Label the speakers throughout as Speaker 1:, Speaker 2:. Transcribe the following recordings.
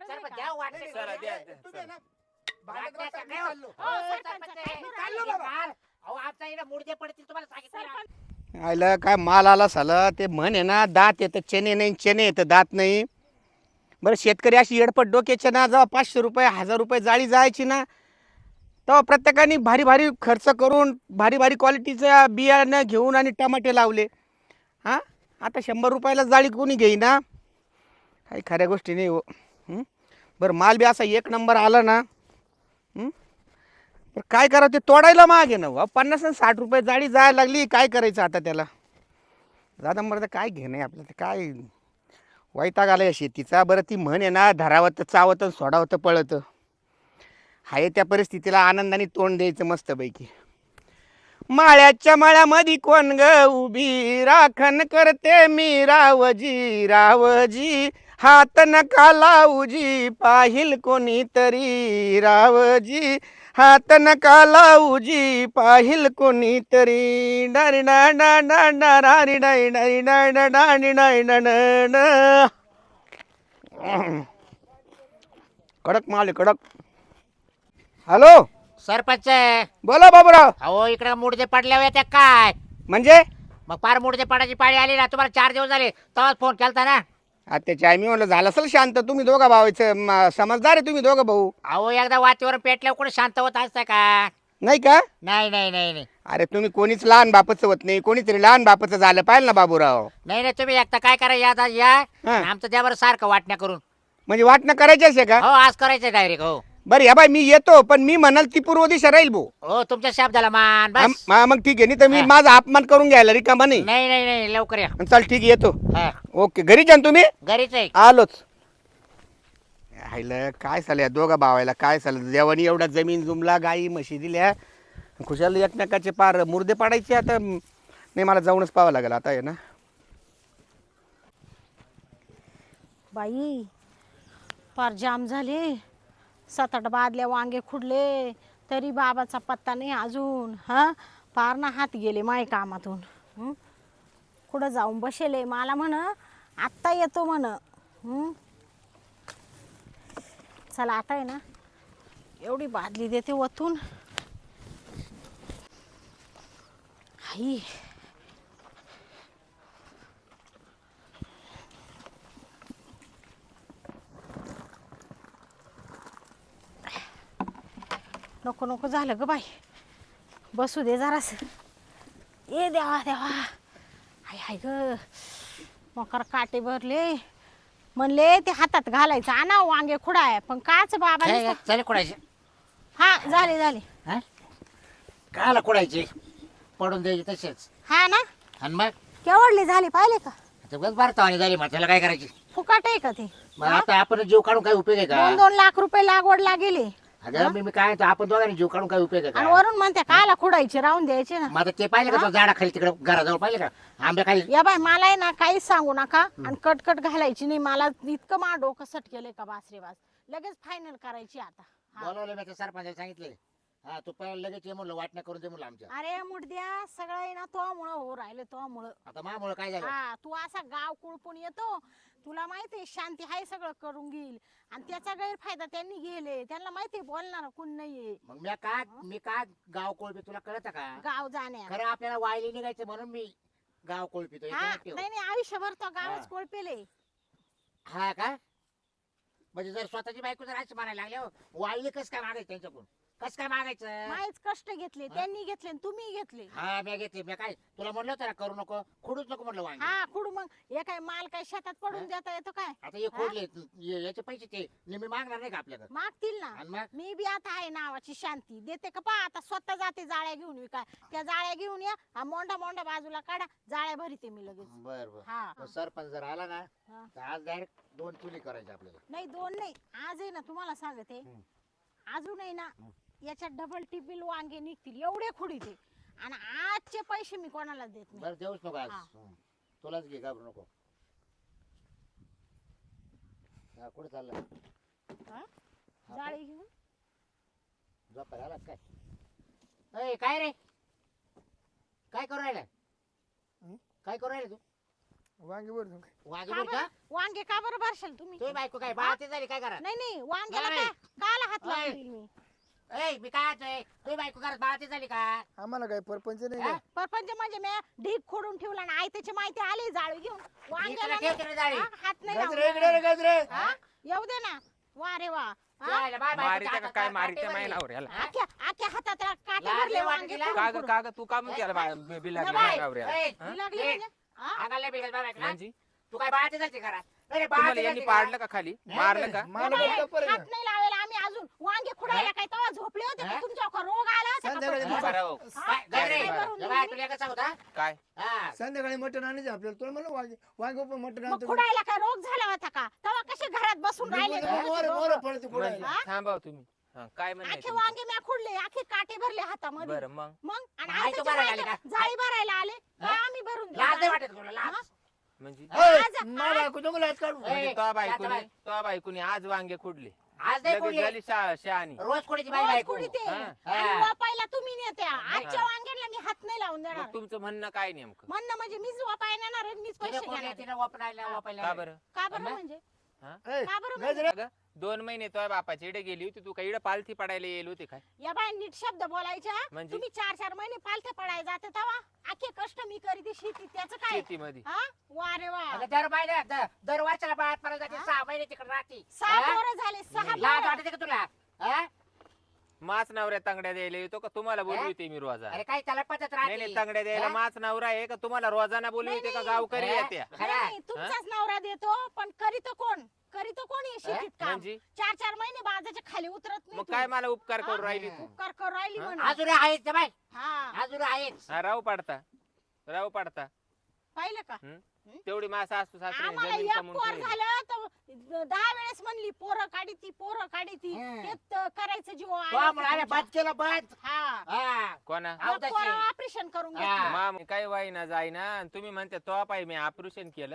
Speaker 1: सरपंच
Speaker 2: का?
Speaker 1: द्या वाटते
Speaker 3: चला, द्या,
Speaker 4: तुम्ही ना
Speaker 1: वाटते
Speaker 4: भांडत
Speaker 1: का
Speaker 4: बसा, मी
Speaker 1: नाही हो?
Speaker 4: चाललो.
Speaker 1: हो,
Speaker 2: सरपंच,
Speaker 1: सरपंच,
Speaker 2: काय करू
Speaker 4: चाललो
Speaker 1: हे
Speaker 4: बाबा.
Speaker 1: माल. अहो आमचा इकडे मुडदे पडतील तुम्हाला सांगितलं ना.
Speaker 2: सरपंच
Speaker 4: आयला काय माल आला साला ते म्हण आहे ना दात येतं चेने नाही चेने येतं दात नाही. बरं शेतकरी अशी येडपट डोक्याचे ना जेव्हा 500 रुपये 1000 रुपये जाळी जायची ना तेव्हा प्रत्येकाने भारी भारी खर्च करून भारी भारी क्वालिटीचं बियाणं घेऊन आणि टमाटे लावले. हां आता 100 रुपयाला जाळी कोणी घेईना काही खऱ्या गोष्टी नाही हो. हं? बरं माल बी असा एक नंबर आला ना. हं? पण काय करावं ते तोडायला मागे ना हो. 50 आणि 60 रुपये जाळी जायला लागली काय करायचं आता त्याला. दादा मर्द काय घेणं आहे आपलं ते काय वैताग आला या शेतीचा. बरं ती म्हण आहे ना धरावं तर चावतं आणि सोडावं तर पळतं. आहे त्या परिस्थितीला आनंदाने तोंड द्यायचं मस्तपैकी. माळ्याच्या माळ्यामध्ये कोण ग उभी राखण करते मी रावजी रावजी हात नका लावूजी पाहिल कोणीतरी रावजी हात नका लावूजी पाहिल कोणीतरी डारी डा डा डा डा रारी डाई डाई डा डा डाणी डाई डा डा डा. कडक माल आहे, कडक. हॅलो
Speaker 1: सरपंच
Speaker 4: बोला बाबूराव.
Speaker 1: अहो इकडे मुडदे पडल्या होत्या काय
Speaker 4: म्हणजे
Speaker 1: मग पार मुडदे पडायची पाळी आली ना तुम्हाला 4 दिवस झाले तेव्हाच फोन केलता ना.
Speaker 4: त्याच्या मी म्हणलं झालं असेल शांत. तुम्ही दोघं भावायचं समजदार आहे तुम्ही दोघं भाऊ.
Speaker 1: अहो एकदा वातीवर पेटल्यावर कुठे शांत होत असतं का.
Speaker 4: नाही का.
Speaker 1: नाही नाही नाही नाही
Speaker 4: अरे तुम्ही कोणीच लहान बापाचं होत नाही कोणीतरी लहान बापाचं झालं पाहिजे ना बाबूराव.
Speaker 1: नाही नाही तुम्ही एकदा काय करा या या
Speaker 4: हा.
Speaker 1: आमचं द्या बरं सारखं वाटण्या करून.
Speaker 4: म्हणजे वाटणं करायचंच आहे का.
Speaker 1: हो आज करायचं डायरेक्ट. हो
Speaker 4: बरं या बाई मी येतो पण मी म्हणाल ती पूर्व दिशा राहील भाऊ.
Speaker 1: हो तुमच्या शब्दाला मान बस.
Speaker 4: मग ठीक आहे नाही तर मी
Speaker 1: हा.
Speaker 4: माझा अपमान करून घ्यायला रिकामा नाही.
Speaker 1: नाही नाही नाही लवकर या.
Speaker 4: चल ठीक आहे येतो.
Speaker 1: हा
Speaker 4: ओके घरी जा ना तुम्ही.
Speaker 1: घरीच आहे.
Speaker 4: आलोच. आईला काय झालं या दोघा भावायला काय झालं देवानी एवढा जमीन जुमला गाई म्हशी दिल्या खुशाल एकमेकाचे पार मुर्दे पाडायचे आता नाही मला जाऊनच पाहावं लागेल आता आहे ना.
Speaker 2: बाई फार जाम झाले 7-8 बादल्या वांगे खुडले तरी बाबाचा पत्ता नाही अजून. हा फार ना हात गेले माय कामातून. कुठं जाऊन बसेले मला म्हण आत्ता येतो म्हण. चला आता आहे ना एवढी बादली देते वतून. आई नको नको झालं ग बाई बसू दे जरास. ये देवा देवा हाय हाय ग मकर काटे भरले म्हणले ते हातात घालायचं आणा वांगे खुडाय पण काच बाबा नुसतं-
Speaker 1: चल कुडायचे.
Speaker 2: हा झाले झाले.
Speaker 1: कायला कुडायचे पडून द्यायचे तसेच.
Speaker 2: हा ना
Speaker 1: आणि मग
Speaker 2: केवढले झाले पाहिले का
Speaker 1: बस भारतावानी झाली मग त्याला काय करायची.
Speaker 2: फुकाट आहे का ते.
Speaker 1: मग आता आपण जीव काढून काय उपयोग आहे का.
Speaker 2: 2-2 लाख रुपये लागवडला गेले
Speaker 1: अगं मी काय म्हणतो आपण दोघांनी जीव काढून काय उपयोग आहे
Speaker 2: आणि
Speaker 1: का.
Speaker 2: वरून म्हणते कायला खुडायचे राहून द्यायचे ना.
Speaker 1: मग आता ते पाहिलं का तो झाडा खाली तिकडे घराजवळ पाहिलं का आंब्या खाली.
Speaker 2: या बाय मला आहे ना काहीच सांगू नका आणि कटकट घालायची नाही. मला इतकं मा डोकं सटकेलंय का बास रे बास. लगेच फायनल करायची आता. हा.
Speaker 1: बोलवलं मी त्या सरपंचाला सांगितले. हा तू पहिला लगेच ये म्हणलं वाटण्या करून दे म्हणलं आमच्या.
Speaker 2: अरे मुडद्या सगळं आहे ना तो मुळे हो राहिले तो मुळे.
Speaker 1: आता मामुळं काय झालं.
Speaker 2: हा तू असा गाव कुळपून येतो तुला माहितीये शांती हाय सगळं करून घेईल आणि त्याचा गैरफायदा त्यांनी घेले. त्यांना माहितीये बोलणार कोण नाहीये.
Speaker 1: मग मी काय गाव कोळपी तुला कळत का.
Speaker 2: गाव जाण्या
Speaker 1: खरं आपल्याला वायली निघायचं म्हणून मी गाव कोळपितो.
Speaker 2: हा नाही नाही आयुष्यभर तो गावच
Speaker 1: हा.
Speaker 2: कोळपेले.
Speaker 1: हा का म्हणजे जर स्वतःची बायको जर असं म्हणायला लागले वायली कस काय मागायचं त्यांच्याकडून कस काय मागायचं.
Speaker 2: माहीच कष्ट घेतले त्यांनी घेतले आणि तुम्ही घेतले.
Speaker 1: हा मी घेतली मी काय तुला म्हणलं होतं ना करू नको खुडूच नको म्हणलं वांगी.
Speaker 2: हा कुठं मग हे काय माल काय शेतात पडून देता येतो काय.
Speaker 1: आता हे खोडले याचे पैसे ते नेहमी मागणार नाही का आपल्याकडे.
Speaker 2: मागतील ना.
Speaker 1: आणि मग
Speaker 2: मी बी आता आहे नावाची शांती देते का पा आता स्वतः जाते जाळ्या घेऊन विकाय. त्या जाळ्या घेऊन या हा मोंडा मोंडा बाजूला काढा जाळ्या भरीते मी लगेच.
Speaker 1: बर बर
Speaker 2: हा
Speaker 1: सरपंच जर आला ना
Speaker 2: हा.
Speaker 1: तर आज डायरेक्ट 2 चुली करायच्या आपल्याला.
Speaker 2: नाही 2 नाही आज आहे ना तुम्हाला सांगते अजून आहे ना याच्यात डबल टिबल वांगे निघतील एवढे खुडीते आणि आजचे पैसे मी कोणाला देत नाही.
Speaker 1: बरं देऊच नको आज.
Speaker 2: हा.
Speaker 1: तुलाच घे घाबरू नको. हा कुठे चाललं.
Speaker 2: हा? जाळी घेऊन
Speaker 1: झोपायला आला काय. काय रे काय करू राहिला काय करू राहिला तू.
Speaker 3: वांगी वर जाऊन.
Speaker 1: वांगी
Speaker 2: का
Speaker 1: बोल का
Speaker 2: बरं? वांगे का बरं भरशाल तुम्ही
Speaker 1: तुम्ही बायको काय बाळाती झाली काय करा
Speaker 2: नाही नाही वांग्याला
Speaker 1: नाही.
Speaker 2: काला हात
Speaker 1: नाही.
Speaker 2: लावून मी
Speaker 1: ए मी काय म्हणतोय तुम्ही बायको करत बाळाती झाली का
Speaker 3: आम्हाला काय परपंच नाही
Speaker 1: हा?
Speaker 3: का?
Speaker 2: परपंच म्हणजे मी ढीप खोडून ठेवला ना आई त्याची माहिती आली जाळी घेऊन वांग्याला
Speaker 1: ठेव तिकडे जाळी.
Speaker 2: हा, हात नाही
Speaker 3: गजरे इकडे रे
Speaker 2: लावून.
Speaker 3: गजरे.
Speaker 2: हा? येऊ दे ना वा रे वा हा?
Speaker 1: जायला बाय बायकोच्या
Speaker 5: मारित्या का
Speaker 1: हातात
Speaker 5: काय
Speaker 1: काटे
Speaker 5: मारित्या
Speaker 1: भरले.
Speaker 5: मायनावर याला
Speaker 2: आख्या हातात काटे
Speaker 1: लाज
Speaker 2: भरले
Speaker 1: नाही
Speaker 2: वांगे
Speaker 1: वाटली
Speaker 2: फोडून
Speaker 5: काग
Speaker 2: फोडून.
Speaker 5: काग तू का म्हणते याला बिला
Speaker 2: बाय.
Speaker 5: मायनावर याला
Speaker 1: ए,
Speaker 2: ही लागली
Speaker 1: ए,
Speaker 2: म्हणजे? हा?
Speaker 1: आगाला बिगल बाय बायकोला.
Speaker 5: म्हणजे
Speaker 1: तू काय बाळाती झाली करा नाही
Speaker 5: तुम्हाला
Speaker 1: बाळाती
Speaker 5: यांनी
Speaker 1: झाली
Speaker 5: पाडलं
Speaker 1: का
Speaker 5: का खाली
Speaker 1: नाही,
Speaker 5: मारलं का
Speaker 3: मला
Speaker 2: बाय,
Speaker 3: बघता परत.
Speaker 2: हात नाही लावायला आम्ही अजून वांगे खुडायला काय तेव्हा झोपले होते का
Speaker 1: हा?
Speaker 2: तुमच्या रोग आला होता का
Speaker 3: संध्याकाळी
Speaker 2: परत?
Speaker 5: बरं हो.
Speaker 2: हा?
Speaker 1: गजरे,
Speaker 2: काय भरून
Speaker 1: ए बाय
Speaker 2: दिली?
Speaker 1: तुला कसा होता
Speaker 5: काय
Speaker 1: हा
Speaker 3: संध्याकाळी मटण आणायचं आपल्याला तुला म्हणलं वांगे वांगे पण मटण
Speaker 2: मग
Speaker 3: आणतो.
Speaker 2: खुडायला काय रोग झाला होता का तेव्हा कसे घरात बसून राहिले
Speaker 3: मोर मोर पडते
Speaker 5: म्हणजे
Speaker 3: कुडायला.
Speaker 5: थांबा हो तुम्ही हा, काय
Speaker 2: आखे
Speaker 5: म्हणायचं
Speaker 2: वांगे म्या खुडले आखे काटे भरले हातामध्ये
Speaker 5: बरं मग
Speaker 2: मग आणि
Speaker 1: आई
Speaker 2: आई
Speaker 1: तो
Speaker 2: त्याच्या
Speaker 1: भरायला आली
Speaker 2: बायका
Speaker 1: का?
Speaker 2: जाळी भरायला आले
Speaker 1: हा?
Speaker 2: का आम्ही भरून देऊ?
Speaker 1: लाज नाही वाटत तुला लाज
Speaker 2: हा?
Speaker 5: म्हणजे
Speaker 3: ए, मा बायको नको लाज काढू.
Speaker 1: ए,
Speaker 5: म्हणजे
Speaker 1: शांत
Speaker 5: तो बायकोनी आज वांगे खुडले
Speaker 1: आज नाही
Speaker 5: लगेच
Speaker 1: कोणी
Speaker 5: झाली शहाणी
Speaker 1: रोज कोणीची बाई
Speaker 2: रोज
Speaker 1: बायको
Speaker 2: कुडी ते
Speaker 5: हा.
Speaker 2: आणि
Speaker 1: हा.
Speaker 2: वापायला तुम्ही नेत्या आजच्या
Speaker 5: हा.
Speaker 2: वांग्याला मी हात नाही लावून देणार
Speaker 5: मग तुमचं म्हणणं काय नेमकं
Speaker 2: म्हणणं म्हणजे मीच वापायला नेणार आहे, मीच
Speaker 1: तिने
Speaker 2: पैसे
Speaker 1: कोणी
Speaker 2: घेणार
Speaker 1: तिने वापरायला वापरायला
Speaker 5: का बरं
Speaker 2: का बरं
Speaker 1: हा?
Speaker 2: म्हणजे
Speaker 3: ए,
Speaker 2: का बरं म्हणजे?
Speaker 3: गजरे.
Speaker 5: अगं, 2 महिने तो बापाची इकडे गेली होती तू काय इकडे पालथी पडायला येईल होती काय
Speaker 2: या बाय नीट शब्द बोलायच्या
Speaker 5: म्हणजे?
Speaker 2: तुम्ही 4-4 महिने पालथे पडायला जाते तेव्हा आखे कष्ट मी करीते शेती त्याचं काय
Speaker 5: शेतीमध्ये
Speaker 2: हा वा रे वा
Speaker 1: अगं दर महिन्यात दर वर्षाला बाळात पडायला जाते 6 महिने तिकडे राहते
Speaker 2: 6
Speaker 1: हा?
Speaker 2: पोरं झाले 6
Speaker 1: लाज वाटते का तुला हा?
Speaker 5: माच नवऱ्या तांगड्या द्यायला येतो का तुम्हाला बोलवते मी रोजा
Speaker 1: अरे काय त्याला पद्धत
Speaker 5: नाही नाही
Speaker 1: राहते
Speaker 5: तांगड्या द्यायला
Speaker 1: हा?
Speaker 5: माच नवरा आहे का तुम्हाला रोजाना बोलवते का गावकरी
Speaker 1: हा?
Speaker 5: येत्या
Speaker 1: खरं.
Speaker 2: नाही, तुमचाच नवरा देतो पण करीतो कोण हे शेतीत काम
Speaker 5: म्हणजे?
Speaker 2: 4-4 महिने बाजाच्या खाली उतरत नाही
Speaker 5: मग
Speaker 2: तू.
Speaker 5: काय मला उपकार करू
Speaker 2: हा?
Speaker 5: राहिली तू
Speaker 2: उपकार करू राहिली
Speaker 5: हा?
Speaker 2: म्हणून
Speaker 1: अजून आहेच ते बाय
Speaker 2: हा
Speaker 1: अजून आहेच
Speaker 5: हा, राव पाडता
Speaker 2: पाहिलं का
Speaker 5: तेवढी मासा असतो सासरे
Speaker 2: आम्हाला
Speaker 5: जमीन
Speaker 2: एक
Speaker 5: कमवून
Speaker 2: पोर
Speaker 5: ठेवली.
Speaker 2: झालं तर 10 वेळेस म्हणली पोरं काढी
Speaker 1: हम्म.
Speaker 2: ते करायचं जीव
Speaker 1: तो आम्ही बंद केलं बंद
Speaker 2: हा
Speaker 1: हा
Speaker 5: कोणा
Speaker 1: अवताची.
Speaker 2: ऑपरेशन करून
Speaker 1: हा.
Speaker 2: घेतलं
Speaker 5: माम काय वाईना जाईना आणि तुम्ही म्हणते तो पाय मी ऑपरेशन केलं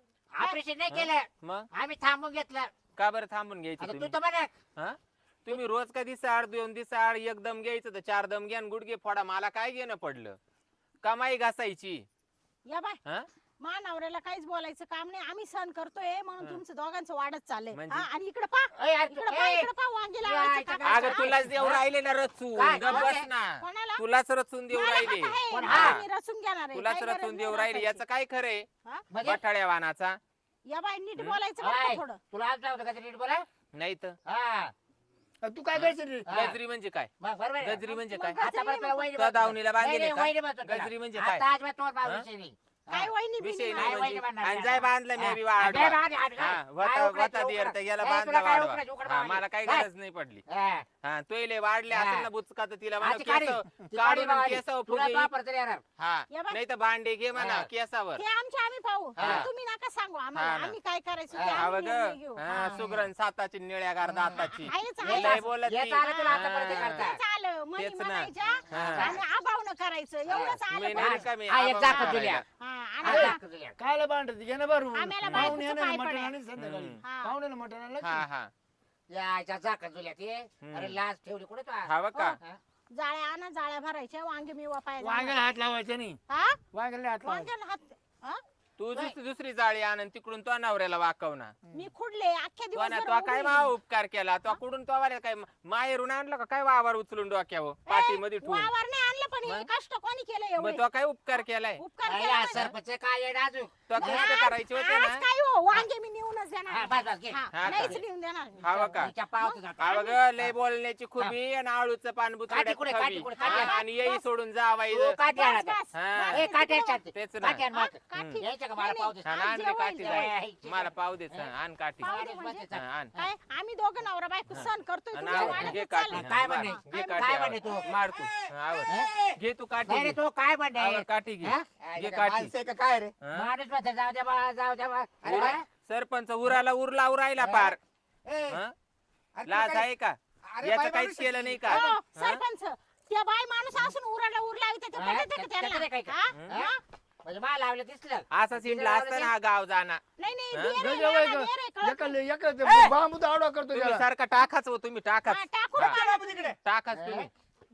Speaker 1: ऑपरेशन नाही केलं
Speaker 5: मग
Speaker 1: आम्ही थांबून घेतलं
Speaker 5: का बरं थांबून घ्यायचं
Speaker 1: आता तू
Speaker 5: तुम्ही
Speaker 1: तर म्हणे
Speaker 5: हा तुम्ही रोज का दिसाड 2 दिसाड एकदम घ्यायचं तर 4 दम घ्या आणि गुडघे फोडा मला काय घेणं पडलं कमाई घासायची
Speaker 2: या बाय
Speaker 5: हा
Speaker 2: नवऱ्याला काहीच बोलायचं काम नाही आम्ही सहन करतोय म्हणून
Speaker 5: हा.
Speaker 2: तुमचं दोघांचं वाढत चाललंय
Speaker 5: म्हणजे?
Speaker 2: हा, आणि इकडे पा
Speaker 1: ए, यार,
Speaker 2: इकडे पा वांगे लावायचं
Speaker 1: इथं
Speaker 2: काम
Speaker 1: काय?
Speaker 5: अगं तुलाच देऊ राहिले ना रचून
Speaker 1: काय?
Speaker 5: गप्प बस ना
Speaker 2: कोणाला?
Speaker 5: तुलाच रचून देऊ
Speaker 2: मला
Speaker 5: राहिले
Speaker 2: हात आहे,
Speaker 1: कोण?
Speaker 2: मला
Speaker 1: हा.
Speaker 2: मी रचून घेणार आहे.
Speaker 5: तुलाच
Speaker 2: काही गरज
Speaker 5: रचून
Speaker 2: नाही
Speaker 5: देऊ राहिले
Speaker 2: रचायची.
Speaker 5: याचं काय खरंय
Speaker 2: हा?
Speaker 1: म्हणजे
Speaker 5: बठाड्या वानाचा
Speaker 2: या बाय नीट
Speaker 5: हं?
Speaker 2: बोलायचं बरं का
Speaker 1: आय,
Speaker 2: थोडं
Speaker 1: तुला आज होतं का ते नीट बोला
Speaker 5: नाही तर
Speaker 1: हा
Speaker 3: तू काय करशील रे?
Speaker 1: हा.
Speaker 5: गजरी म्हणजे काय
Speaker 1: मग बरोबर आहे.
Speaker 5: गजरी म्हणजे
Speaker 2: मग
Speaker 5: काय
Speaker 2: गजरी
Speaker 1: आतापर्यंत तुला वहिनी
Speaker 5: तो
Speaker 1: म्हणतो.
Speaker 5: दावणीला बांधलेले
Speaker 1: नाही,
Speaker 5: का?
Speaker 1: नाही, वहिनी म्हणतो तुला.
Speaker 5: गजरी म्हणजे काय?
Speaker 1: आता अजिबात तोंड
Speaker 5: हा?
Speaker 1: मारायचं नाही.
Speaker 2: काय वहिनी
Speaker 5: विषय
Speaker 2: बिनी
Speaker 5: नाही
Speaker 1: काय
Speaker 5: म्हणजे
Speaker 1: वहिनी म्हणणार
Speaker 5: आणि
Speaker 1: नाही.
Speaker 5: जाय बांधलं मी बी
Speaker 1: हा,
Speaker 5: वाढवा.
Speaker 1: काय बांध,
Speaker 5: हा,
Speaker 1: काय
Speaker 5: वता
Speaker 1: उकडायचं,
Speaker 5: वता दियर तर याला
Speaker 1: ए,
Speaker 5: बांधला
Speaker 1: तुला काय
Speaker 5: वाढवा
Speaker 1: उकडायचं, उकड
Speaker 5: हा,
Speaker 1: बांध.
Speaker 5: मला काही
Speaker 1: काय?
Speaker 5: गरज नाही पडली
Speaker 1: हा.
Speaker 5: हा तोयले वाढले
Speaker 1: हा.
Speaker 5: असेल ना बुचका तर तिला म्हणा
Speaker 1: आजची काढी.
Speaker 5: केस
Speaker 1: ती काढी
Speaker 5: काढून
Speaker 1: बावाली.
Speaker 5: केस
Speaker 1: तुला
Speaker 5: फुगे
Speaker 1: तो वापरता नाही येणार.
Speaker 5: हा
Speaker 2: या बाय.
Speaker 5: नाही तर भांडे घे म्हणा
Speaker 1: हा.
Speaker 5: केसावर
Speaker 2: ते आम्ही पाहू
Speaker 5: हा.
Speaker 2: तुम्ही नका सांगू आम्हाला
Speaker 5: हा ना.
Speaker 2: आम्ही काय करायचं ते
Speaker 1: हा,
Speaker 5: हा
Speaker 2: आम्ही
Speaker 5: बघ
Speaker 2: निर्णय घेऊ.
Speaker 5: हा,
Speaker 2: हा.
Speaker 5: सुगरण साताची निळ्या गारदा आताची
Speaker 2: आहेच,
Speaker 5: लय
Speaker 2: आहेच.
Speaker 5: बोलत
Speaker 1: येत
Speaker 5: ती.
Speaker 1: आलं तुला
Speaker 5: हा.
Speaker 1: आतापर्यंत करता.
Speaker 2: तेच आलं म्हणी
Speaker 5: तेच ना.
Speaker 2: म्हणायच्या
Speaker 5: हा.
Speaker 2: आणि आबावनं करायचं एवढंच
Speaker 5: मी
Speaker 2: आलं
Speaker 5: नाही
Speaker 2: बघ.
Speaker 5: रिकामी,
Speaker 1: हा, एक
Speaker 5: आबा
Speaker 1: जाकं
Speaker 5: मारायला.
Speaker 1: जुल्या.
Speaker 2: हा,
Speaker 1: हा,
Speaker 2: आणि
Speaker 1: जाकं जुल्या.
Speaker 3: कायला भांडत घे ना बरं
Speaker 2: आम्हाला
Speaker 3: पाहुणे
Speaker 2: बायकोचं
Speaker 3: येणार
Speaker 2: काय
Speaker 3: मटण
Speaker 2: पडेल?
Speaker 3: आणि संध्याकाळी
Speaker 5: हम्म.
Speaker 2: हा.
Speaker 3: पाहुण्याला मटण आणलं
Speaker 5: हा हा
Speaker 1: याच्या जाकं जुल्या ते
Speaker 5: हम्म.
Speaker 1: अरे लाज ठेवली कुठे तू
Speaker 5: हा बघ का
Speaker 1: हा?
Speaker 2: जाळ्या आणा जाळ्या भरायच्या वांगे मी वापायला
Speaker 3: वांग्याला हात लावायचा नाही
Speaker 2: हा
Speaker 3: वांग्याला हात लावायचा
Speaker 2: वांग्याला हात हा?
Speaker 5: तू दुसरी जाळी आण आणि तिकडून तो नवऱ्याला वाकवना
Speaker 2: मी खुडले अख्ख्या
Speaker 5: तो ना
Speaker 2: दिवस
Speaker 5: तो काय मा उपकार केला तो कुठून तो वाऱ्या काय माहेरून आणलं का काय वावर उचलून डोक्यावर पाठीमध्ये ठेवून
Speaker 2: वावर नाही आणलं पण हे
Speaker 5: मग?
Speaker 2: कष्ट कोणी केलं एवढे
Speaker 5: मग तो काय उपकार केलाय
Speaker 2: उपकार
Speaker 1: अरे,
Speaker 2: केला
Speaker 1: हा,
Speaker 2: म्हणजे?
Speaker 1: सरपंच काय येडा अजून
Speaker 5: तो कष्ट करायचे होते
Speaker 2: आज
Speaker 5: ना
Speaker 2: काय हो वांगे मी नेऊनच
Speaker 1: हा,
Speaker 2: देणार
Speaker 1: बस, बस, घे.
Speaker 2: हा,
Speaker 5: हा,
Speaker 2: नाहीच
Speaker 5: का?
Speaker 2: नेऊन देणार मी.
Speaker 5: हा बघा
Speaker 1: तिच्या पावती जातो.
Speaker 5: हा बघ लय बोलण्याची खुबी आणि आळूचं पान
Speaker 1: काठी कुठे, काठी
Speaker 5: बुचकड्यात
Speaker 1: कुठे,
Speaker 5: खवी.
Speaker 1: काठी?
Speaker 5: आणि येई सोडून जावाई
Speaker 1: तू काठी आण
Speaker 2: बस,
Speaker 1: आता.
Speaker 2: बस,
Speaker 5: हा.
Speaker 2: बस,
Speaker 1: ए, काठी आण
Speaker 2: तिकडे
Speaker 1: शांती.
Speaker 5: तेच ना.
Speaker 1: काठी आण
Speaker 2: हा,
Speaker 1: माग.
Speaker 2: काठी.
Speaker 1: यायचं का
Speaker 2: नाही,
Speaker 1: मला
Speaker 2: नाही.
Speaker 1: पाव दे.
Speaker 5: हा,
Speaker 2: आज
Speaker 5: आण रे
Speaker 2: जेवायला
Speaker 5: काठी
Speaker 2: जायचं.
Speaker 5: जाय. मला पाव देच आण काठी
Speaker 2: पाव दे
Speaker 1: बस,
Speaker 2: म्हणजे?
Speaker 1: बस,
Speaker 5: हा, आण
Speaker 2: काय आम्ही दोघं नवरा बायको सण करतोय
Speaker 5: आणि
Speaker 2: तुमच्या
Speaker 5: आवर.
Speaker 2: वाड्यात
Speaker 5: घे
Speaker 2: चाललंय.
Speaker 5: काठी
Speaker 1: काय
Speaker 5: हा,
Speaker 1: म्हणे?
Speaker 5: घे
Speaker 2: काय
Speaker 5: काठी
Speaker 1: काय
Speaker 5: आवर.
Speaker 1: म्हणे तू?
Speaker 5: मार तू आवर
Speaker 1: ए,
Speaker 5: घे तू काठी
Speaker 1: नाही रे,
Speaker 5: घे.
Speaker 1: तो काय म्हणणे
Speaker 5: आवर काठी घे
Speaker 1: हा?
Speaker 5: घे काठी
Speaker 3: माणसं आहे का काय रे
Speaker 5: हा?
Speaker 1: माणूस म्हणतो, जाऊ द्या बा, जाऊ द्या बा. अरे बा.
Speaker 5: सरपंच उराला उरला उरायला पार
Speaker 1: ए,
Speaker 5: हा?
Speaker 3: अरे तुला
Speaker 5: लाज
Speaker 3: काय-
Speaker 5: आहे का
Speaker 3: अरे
Speaker 5: याचं
Speaker 3: बाई
Speaker 5: काहीच
Speaker 3: माणूस
Speaker 5: केलं नाही का
Speaker 2: हो,
Speaker 5: हा?
Speaker 2: सरपंच त्या बाई माणूस असून उराला उरला ते
Speaker 1: हा?
Speaker 2: पटत का
Speaker 1: त्याचं
Speaker 2: त्यांना?
Speaker 1: काय का?
Speaker 2: हा?
Speaker 1: हा? म्हणजे मला लावलं दिसलं
Speaker 5: असा सिंडला असताना हा गाव जाणार
Speaker 2: नाही नाही
Speaker 5: हा?
Speaker 2: देर आहे,
Speaker 3: गजरा
Speaker 2: नाना,
Speaker 3: बाई
Speaker 2: देर आहे, कळत नाही.
Speaker 3: एका बांबू आडवा करतो
Speaker 5: तुम्ही
Speaker 3: त्याला
Speaker 5: सारखा टाकाच हो तुम्ही टाकाच
Speaker 2: हा, टाकून
Speaker 5: हा.
Speaker 2: मारा.
Speaker 3: तिकडे
Speaker 5: टाकाच तुम्ही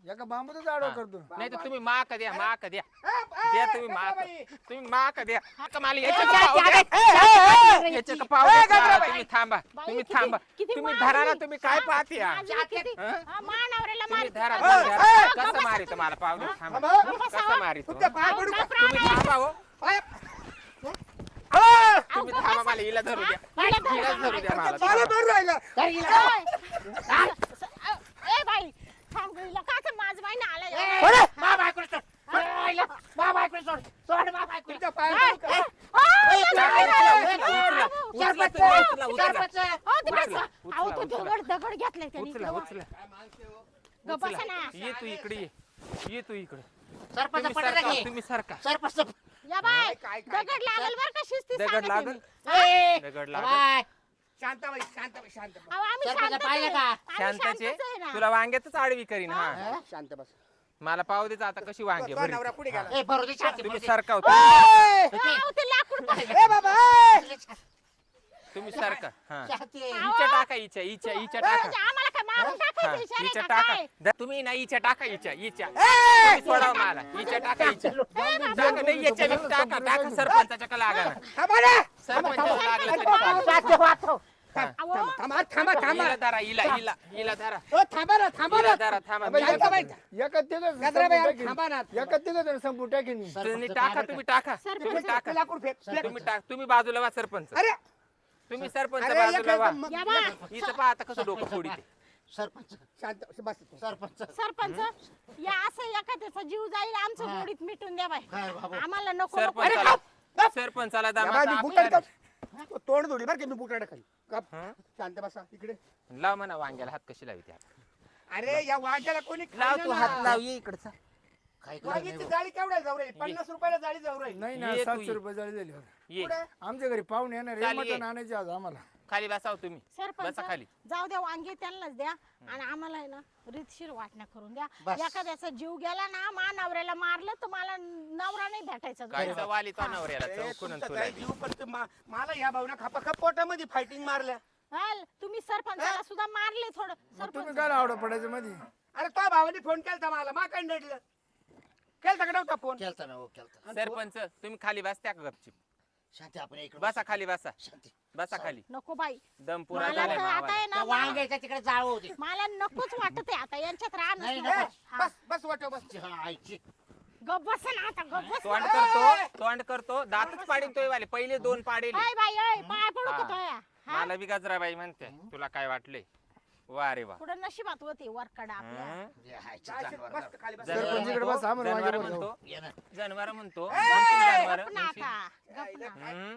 Speaker 3: एका बांबूच आडवा करतो
Speaker 5: नाही तर तुम्ही माक द्या माक द्या द्या तुम्ही माक द्या का मला याच्या का पाव द्या याच्या का पाव द्या तुम्ही थांबा
Speaker 2: बाई,
Speaker 5: तुम्ही
Speaker 2: किती-
Speaker 5: थांबा
Speaker 2: किती
Speaker 5: तुम्ही
Speaker 2: मारली.
Speaker 5: धरा ना तुम्ही काय पाहते या?
Speaker 2: माझी किती- हा, मानावऱ्याला
Speaker 5: तुम्ही
Speaker 2: मारते.
Speaker 5: धरा
Speaker 2: अहो,
Speaker 5: तुम्ही धरा.
Speaker 2: अहो,
Speaker 5: कसं
Speaker 2: गप्प
Speaker 5: मारित मला पाव द्या थांबा
Speaker 3: थांबा.
Speaker 5: कसं मारित
Speaker 3: तुमच्या पाय पडू का?
Speaker 5: तुम्ही थांबा हो
Speaker 3: हा!
Speaker 5: तुम्ही थांबा मला हिला धरू द्या हिला धरू द्या मला
Speaker 3: मला बरं राहिलं
Speaker 1: तर हिला-
Speaker 2: ए बाई थांब गं, हिला का तर माझं बाई ना आला
Speaker 1: अरे, मा बायकोला सोड. सोड हिला. मा बायकोला सोड. सोड मा बायकोला.
Speaker 3: तुमच्या पाय पडू का?
Speaker 1: सरपंच, सरपंच.
Speaker 2: दगड घेतलाय त्यांनी
Speaker 5: उचला उचला
Speaker 2: गं, बसा ना.
Speaker 5: ये तू इकडे ये तू इकडे
Speaker 1: सरपंच
Speaker 5: तुम्ही
Speaker 1: पटलं
Speaker 5: सरका
Speaker 1: की?
Speaker 5: तुम्ही सरका
Speaker 1: सरपंच.
Speaker 2: या बाय
Speaker 3: काय-
Speaker 2: दगड लागल बर का शिस्ती
Speaker 5: दगड
Speaker 2: सांगते
Speaker 5: लागल
Speaker 2: मी.
Speaker 1: ए,
Speaker 5: दगड लागल
Speaker 1: बाय.
Speaker 3: शांताबाई शांताबाई शांत बस.
Speaker 2: अहो, आम्ही
Speaker 1: सरपंच
Speaker 2: शांतच
Speaker 1: पाहिलं
Speaker 2: आहे.
Speaker 1: का?
Speaker 2: आम्ही
Speaker 5: शांताचे
Speaker 2: शांतच आहे ना.
Speaker 5: तुला वांग्यातच आडवी करीन हा
Speaker 1: हा?
Speaker 3: शांत बस
Speaker 5: मला पाव देता आता कशी वांगे
Speaker 3: तो
Speaker 5: भरीत.
Speaker 3: नवरा पुढे गेला
Speaker 1: ए, बरोबर शांती,
Speaker 5: तुम्ही
Speaker 1: बरोबर.
Speaker 5: सरका
Speaker 3: ए!
Speaker 2: अहो, ते लाकूड पाहिजे.
Speaker 3: ए बाबा ए!
Speaker 5: तुम्ही सरका हा
Speaker 1: शांती.
Speaker 5: इच्या टाका इच्या टाका
Speaker 2: म्हणजे आम्हाला काय मारून
Speaker 5: हा,
Speaker 2: टाकायचं इशारा
Speaker 5: इच्या
Speaker 2: आहे का
Speaker 5: टाका
Speaker 2: काय?
Speaker 5: तुम्ही ना इच्या टाका इच्या तुम्ही सोडा मला इच्या टाका टाका नाही याच्या बी टाका सरपंचाच्या का लागा ना
Speaker 3: थांबा ना.
Speaker 5: सरपंचाला लागलं तरी चालेल.
Speaker 1: शांती वाचव.
Speaker 2: अहो,
Speaker 3: थांबा थांबा थांबा
Speaker 5: हिला धरा हिला धरा
Speaker 3: ओ थांबा ना थांबा
Speaker 5: हिला
Speaker 3: ना
Speaker 5: धरा थांबा
Speaker 3: थांबा, शांताबाई.
Speaker 6: गजराबाई
Speaker 3: गजराबाई, थांबा ना.
Speaker 6: संपू टाकेन
Speaker 5: तुम्ही टाका तुम्ही टाका तुम्ही टाका
Speaker 3: लाकूड फेक
Speaker 5: तुम्ही टाक तुम्ही बाजूला वा सरपंच
Speaker 3: अरे
Speaker 5: तुम्ही सरपंच
Speaker 3: अरे,
Speaker 5: बाजूला
Speaker 3: एक
Speaker 5: वा
Speaker 3: मग-
Speaker 2: या बा
Speaker 5: हिचं पहा आता कसं डोकं फोडी ते
Speaker 1: सरपंच
Speaker 3: शांत बस
Speaker 1: सरपंच
Speaker 2: सरपंच या असं एखाद्याचा जीव जाईल आमचं
Speaker 1: हा.
Speaker 2: गोडीत मिटून द्या बाई
Speaker 1: काय बाबा?
Speaker 2: आम्हाला नको नको
Speaker 5: सरपंचाला
Speaker 3: या बाई, मी बुटाड
Speaker 5: दामा
Speaker 3: कर. तोंड धुडी बरं की मी बुटाड खाली गप.
Speaker 5: हं?
Speaker 3: शांत बसा इकडे
Speaker 5: लाव म्हणा वांग्याला हात कशी लावी त्या
Speaker 3: अरे या वांग्याला कोणी
Speaker 5: लाव
Speaker 3: खाल्लं
Speaker 5: तू
Speaker 3: ना.
Speaker 5: हात लाव ये इकडचा
Speaker 1: काय करायचं
Speaker 3: वांग्याची
Speaker 1: नाही
Speaker 3: जाळी केवढ्या जाऊ राहील 50 रुपयाला जाळी जाऊ राहील
Speaker 6: नाही
Speaker 5: ये
Speaker 6: ना
Speaker 5: तू
Speaker 6: 700
Speaker 5: ये.
Speaker 6: रुपये झाले झाले
Speaker 5: ये
Speaker 3: कुठे?
Speaker 6: आमच्या घरी पाहुणे येणार
Speaker 5: चालेल,
Speaker 6: मटण
Speaker 5: ये.
Speaker 6: आणायचे आज आम्हाला
Speaker 5: खाली बसाव तुम्ही
Speaker 2: सरपंच
Speaker 5: बसा खाली
Speaker 2: जाऊ द्या वांगे त्यांनाच द्या आणि आम्हाला आहे ना रीतशीर वाटण्या करून द्या
Speaker 1: बस.
Speaker 2: एखाद्याचा जीव गेला ना मा नवऱ्याला मारलं तर मला नवरा नाही भेटायचा
Speaker 5: काय
Speaker 2: दुसरा.
Speaker 5: वाली तो नवऱ्याला
Speaker 3: ए,
Speaker 5: चौकून
Speaker 3: तुमचा
Speaker 5: तुला
Speaker 3: काय जीव पण ते मला या भावना खपाखप पोटामध्ये फायटिंग मारल्या
Speaker 2: हाल, तुम्ही सरपंचाला सुद्धा मारले थोडं
Speaker 6: मग तुम्ही
Speaker 2: सरपंच
Speaker 6: काय आवडं पडायचं मध्ये
Speaker 3: अरे तो भावाने फोन केलता मला मा काय नडलं केलता का नव्हता फोन
Speaker 1: केलता ना हो केलता.
Speaker 5: सरपंच तुम्ही खाली बसत्या का गपचिप
Speaker 1: शांती आपण इकडे
Speaker 5: बसा खाली बसा
Speaker 1: शांती.
Speaker 5: बसा खाली
Speaker 2: नको बाई
Speaker 5: दम पुरा
Speaker 2: मला
Speaker 5: झालाय
Speaker 2: तर आता
Speaker 5: मावाला.
Speaker 2: आहे
Speaker 1: त्या
Speaker 2: ना मला-
Speaker 1: वांग्याच्या तिकडे जाळ होती
Speaker 2: मला नकोच वाटत आहे आता यांच्यात
Speaker 1: नाही,
Speaker 2: राहणं
Speaker 1: नको.
Speaker 3: बस बस वाटो बस
Speaker 1: हा, आईची.
Speaker 2: गप बस ना आता गप बस
Speaker 5: तोंड
Speaker 2: ना.
Speaker 5: करतो दातच पाडीन तोय वाले पहिले 2 पाडेल
Speaker 2: हाय बाई ओय पाय पडू
Speaker 5: हा.
Speaker 2: का तोया हा
Speaker 5: मला बी गजराबाई म्हणते तुला काय वाटले वा रे वा
Speaker 2: पुढे नशिबात होती वरकडा आपल्या
Speaker 5: हं?
Speaker 1: हे आईची
Speaker 3: काय
Speaker 1: जानवर.
Speaker 3: बस खाली बस
Speaker 5: जनावर
Speaker 6: सरपंच इकडे
Speaker 5: म्हणतो,
Speaker 6: बसा, आम्हाला
Speaker 5: जनावर
Speaker 6: वांगे
Speaker 5: म्हणतो
Speaker 1: ये ना.
Speaker 5: जनावर म्हणतो
Speaker 2: गप ना आता गप ना
Speaker 5: हं?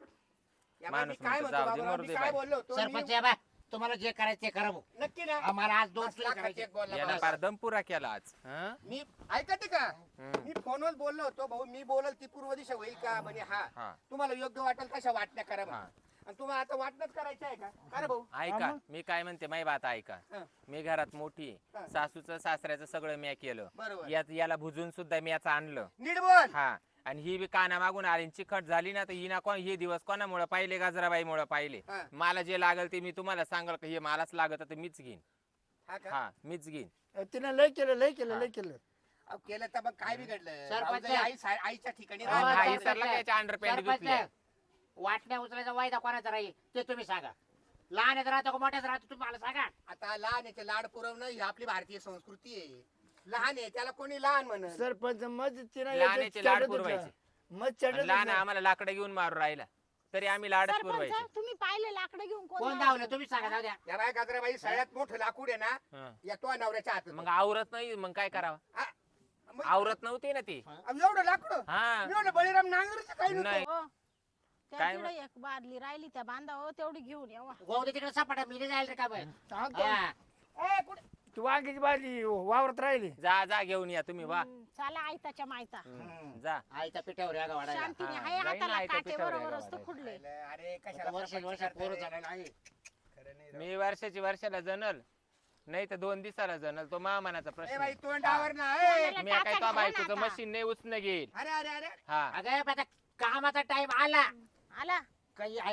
Speaker 3: या बाई, मी
Speaker 5: माणूस
Speaker 3: काय
Speaker 5: म्हणतो,
Speaker 3: म्हणतो
Speaker 5: जाऊ दे,
Speaker 3: बाबा,
Speaker 5: मरू
Speaker 3: मी
Speaker 5: दे
Speaker 3: काय
Speaker 5: बाई.
Speaker 3: बोललो होतो
Speaker 1: सरपंच
Speaker 3: मी-
Speaker 1: या बा तुम्हाला जे करायचं ते करा भाऊ.
Speaker 3: नक्की ना
Speaker 1: आम्हाला आज 2
Speaker 3: पाच लाखाचे
Speaker 1: करायचे
Speaker 3: एक बोलला
Speaker 5: याला
Speaker 3: बस.
Speaker 5: फार दम पुरा केला आज हं?
Speaker 3: मी ऐकते का
Speaker 5: हं.
Speaker 3: मी फोनवर बोललो होतो भाऊ मी बोलल ती पूर्व दिशा होईल का म्हणे हा
Speaker 5: हा.
Speaker 3: तुम्हाला योग्य वाटेल तशा वाटण्या करा
Speaker 5: हा.
Speaker 3: म्हणे. आणि तुम्हाला आता वाटणंच करायचं आहे का अरे भाऊ
Speaker 5: ऐका मी काय म्हणते माही बात ऐका
Speaker 3: हं.
Speaker 5: मी घरात मोठी आहे.
Speaker 3: हं.
Speaker 5: सासूचं सासऱ्याचं सगळं मी केलं
Speaker 3: बरोबर
Speaker 5: याला भुजून सुद्धा मी याचं आणलं
Speaker 3: नीट बोल
Speaker 5: हा आणि ही बी काना मागून आली आणि चिकट झाली ना तर ही ना कोण हे दिवस कोणामुळे पाहिले गजराबाईमुळे पाहिले
Speaker 3: हा.
Speaker 5: मला जे लागल ते मी तुम्हाला सांगाल का हे मलाच लागत तर मीच घेईन
Speaker 3: हा का
Speaker 5: हा मीच घेईन
Speaker 6: तिने लय केलं लय केलं
Speaker 3: अहो, केलं तर मग काय बिघडलं
Speaker 1: सरपंच.
Speaker 3: भाऊजाई आईच्या ठिकाणी
Speaker 1: हो,
Speaker 5: हा,
Speaker 3: राहणार.
Speaker 5: ही सरला काय याच्या अंडरपॅन्ट
Speaker 1: सरपंच,
Speaker 5: धुतल्या
Speaker 1: वाटण्या उचलायचा वायदा कोणाचा राहील ते तुम्ही सांगा. लहान राहतो का मोठ्याच राहतो तुम्ही मला सांगा.
Speaker 3: आता लहान याचे लाड पुरवणं ही आपली भारतीय संस्कृती आहे लहान आहे त्याला कोणी लहान म्हणत
Speaker 6: सरपंच मग तिने
Speaker 5: लहानाचे लाड पुरवायचे
Speaker 6: मग
Speaker 5: आणि लहान आम्हाला लाकडं घेऊन मारू राहिला तरी आम्ही लाडच पुरवायचे
Speaker 2: सरपंच तुम्ही पाहिले लाकडं घेऊन
Speaker 1: कोण
Speaker 2: कोण
Speaker 1: धावलं तुम्ही सांगा जाऊ द्या.
Speaker 3: या बाय गाजराबाई सगळ्यात मोठं लाकूड आहे ना
Speaker 5: हं.
Speaker 3: या तो नवऱ्याच्या हातात
Speaker 5: मग आवरत नाही मग काय करावं
Speaker 3: आ, मग-
Speaker 5: आवरत नव्हती ना ती
Speaker 3: अहो, एवढं लाकूड
Speaker 5: हा
Speaker 3: मी म्हणलं बळीराम नांगरचं काही
Speaker 5: नाही.
Speaker 3: नव्हतं
Speaker 2: हो. त्या
Speaker 5: काय
Speaker 2: तिकडे एक बादली राहिली त्या बांधावं तेवढी घेऊन यावा
Speaker 1: गोवदे तिकडे सपाटा मी नाही जायला रे का बाई. हा.
Speaker 3: ए, कुठे
Speaker 6: तू वांग्याची बाजली वावरत राहिली
Speaker 5: जा घेऊन या तुम्ही वा
Speaker 2: चला आयताच्या मायता
Speaker 5: जा
Speaker 1: आईच्या पिठावर या वाढायला.
Speaker 2: शांतीने
Speaker 5: हा,
Speaker 2: हाय
Speaker 5: जाईन ना
Speaker 2: हाताला
Speaker 5: आयत्या
Speaker 2: काटे
Speaker 5: पिठावर
Speaker 2: बरोबर
Speaker 5: यायला
Speaker 2: असतं
Speaker 5: वाढायला.
Speaker 2: खुडले
Speaker 3: अरे कशाला
Speaker 1: वर्ष
Speaker 3: प्रपंच
Speaker 1: पोरं
Speaker 3: करताय?
Speaker 1: झालेलं आहे.
Speaker 3: खरं नाही राव.
Speaker 5: मी वर्षाला जनल नाही तर 2 दिवसाला जनल तो महामानाचा
Speaker 3: ए
Speaker 5: प्रश्न
Speaker 3: बाई
Speaker 5: आहे.
Speaker 3: तोंडावर ना ए.
Speaker 2: तोंडाला
Speaker 5: मी काय
Speaker 2: टाचा
Speaker 5: तो
Speaker 2: घाला
Speaker 5: बायकोचं
Speaker 2: आता.
Speaker 5: मशीन नाही उचन घेईल
Speaker 3: अरे अरे अरे
Speaker 5: हा
Speaker 1: अगं आता कामाचा टाइम आला
Speaker 2: आला
Speaker 1: काही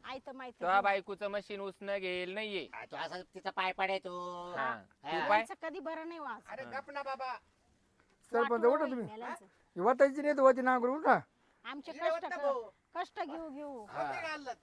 Speaker 2: आयत माहित
Speaker 5: तो बायकोचं मशीन उसणं घेईल नाहीये
Speaker 1: तो असा तिचा पाय पडे तो
Speaker 5: हा.
Speaker 1: हा.
Speaker 5: पाय
Speaker 2: कधी बरं नाही वाच
Speaker 3: अरे गप ना बाबा.
Speaker 6: सरपंच उठा तुम्ही वाटायची नाही तर होती नांगर उठा.
Speaker 2: आमचे
Speaker 3: हिरे होत ना भाऊ.
Speaker 2: कष्ट घेऊ घेऊ
Speaker 3: होते का हल्लत?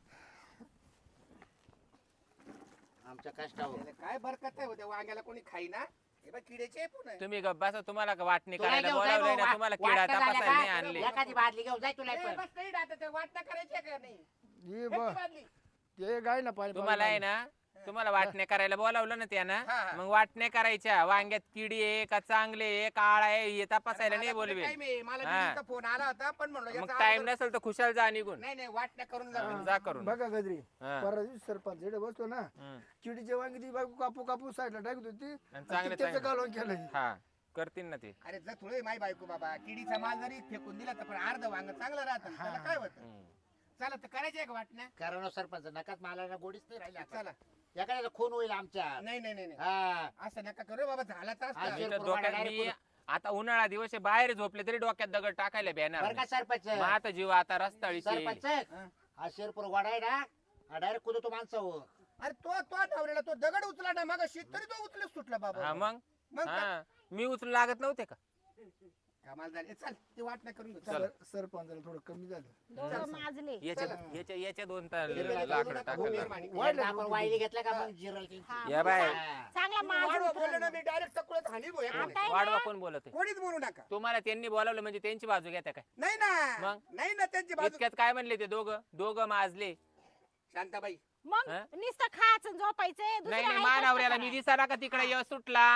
Speaker 1: आमच्या कष्टावर
Speaker 3: त्याला काय बरकत आहे होत्या वांग्याला कोणी खाई ना हे बघ किड्याचे आहे पुन्हा.
Speaker 5: तुम्ही गप्पाचा तुम्हाला का वाटणी
Speaker 1: तुला
Speaker 5: करायला
Speaker 1: घेऊन जाय
Speaker 5: बोलावलंय
Speaker 1: भाऊ,
Speaker 5: ना तुम्हाला
Speaker 1: वाटणं
Speaker 5: किडा
Speaker 1: झालं
Speaker 5: तपासायला नाही
Speaker 1: का?
Speaker 5: आणले
Speaker 1: एखादी बादली घेऊन जाय तुला
Speaker 3: ए,
Speaker 1: पण.
Speaker 3: बस नाही आता ते वाटणं करायची आहे का नाही?
Speaker 6: हे
Speaker 3: फेक
Speaker 6: बा
Speaker 3: ती बादली.
Speaker 6: ते गाय ना पाणी
Speaker 5: तुम्हाला आहे ना तुम्हाला वाटणे करायला बोलावलं ना त्यानं
Speaker 3: हा, हा.
Speaker 5: मग वाटणे करायच्या वांग्यात किडी आहे का चांगले आहे काळा आहे हे तपासायला नाही
Speaker 3: मला कुठे
Speaker 5: बोलवे
Speaker 3: time आहे? मला
Speaker 5: हा.
Speaker 3: दिदीचा फोन आला होता पण म्हणलं
Speaker 5: मग
Speaker 3: याचा
Speaker 5: टाइम
Speaker 3: अगोदर-
Speaker 5: नसेल तर खुशाल जा निघून
Speaker 3: नाही नाही वाटण्या करून जा.
Speaker 5: जा करून
Speaker 6: बघा गजरी
Speaker 5: हा.
Speaker 6: परवा दिवशी सरपंच इकडे बसतो ना
Speaker 5: हम्म.
Speaker 6: चिडीच्या वांगी ती बायको कापू कापू साईडला टाकत होती आणि
Speaker 5: चांगले
Speaker 6: त्याचं
Speaker 5: चांगले.
Speaker 6: कालवण केलं
Speaker 5: हा करतील ना ते
Speaker 3: अरे जर थोडे माय बायको बाबा किडीचा माल जरी फेकून दिला तर पण अर्ध वांग चांगलं राहतं त्याला काय होतं
Speaker 5: हम्म.
Speaker 3: चला तर करायचे आहे का वाटण्या
Speaker 1: कारण हो सरपंच नकाच मला ना गोडीच नाही राहिली आता.
Speaker 3: चला
Speaker 1: एखाद्याचा खून होईल आमच्या
Speaker 3: नाही नाही नाही नाही.
Speaker 1: हा
Speaker 3: असं नका करू बाबा झाला तर
Speaker 1: हा,
Speaker 3: असतं.
Speaker 1: जे-
Speaker 5: इथं डोक्यात मी आता उन्हाळा दिवस आहे, बाहेर झोपले तरी डोक्यात दगड टाकायला बेणार
Speaker 1: बरं का सरपंच
Speaker 5: मग आता जीव आता रस्ताळीची
Speaker 1: सरपंच
Speaker 3: हा.
Speaker 1: हा शेरपूर वाडा आहे ना हा डायरेक्ट कुदतो माणसावर.
Speaker 3: अरे तो नवऱ्याला तो दगड उचला ना मग तरी तो उचलच सुटला बाबा
Speaker 5: हा मग
Speaker 3: मग काय?
Speaker 5: हा मी उचलू लागत नव्हते का
Speaker 3: कमाल झाली चल ते वाटण्या करून घेऊ.
Speaker 5: चल.
Speaker 6: सरपंचाला थोडं कमी झालं
Speaker 2: दोघं माजले
Speaker 5: याच्या दोन
Speaker 3: नका,
Speaker 5: लाकडं टाकलं
Speaker 3: मेहरबानी.
Speaker 1: एकदा आपण वाहिली घेतला का मग जिरल ती.
Speaker 2: हा.
Speaker 5: या बाय
Speaker 1: हा.
Speaker 2: चांगला
Speaker 3: वाढवा
Speaker 2: माजून
Speaker 3: बोललो ना मी डायरेक्ट तकुळत हानी भाऊ एकाने.
Speaker 2: आता आहे
Speaker 5: वाढवा
Speaker 2: ना,
Speaker 5: कोण बोलत आहे?
Speaker 3: कोणीच बोलू नका
Speaker 5: तुम्हाला त्यांनी बोलावलं म्हणजे त्यांची बाजू घेता काय
Speaker 3: नाही ना
Speaker 5: मग?
Speaker 3: नाही ना त्यांची बाजू
Speaker 5: इतक्यात काय म्हणले ते दोघं माजले
Speaker 3: शांताबाई
Speaker 2: मग
Speaker 5: हा?
Speaker 2: नुसतं खायचं झोपायचंय दुसरं
Speaker 5: नाही नाही
Speaker 2: आहे
Speaker 5: मानावऱ्याला
Speaker 2: कष्ट
Speaker 5: मी
Speaker 2: काय?
Speaker 5: दिसाला का तिकडे यश सुटला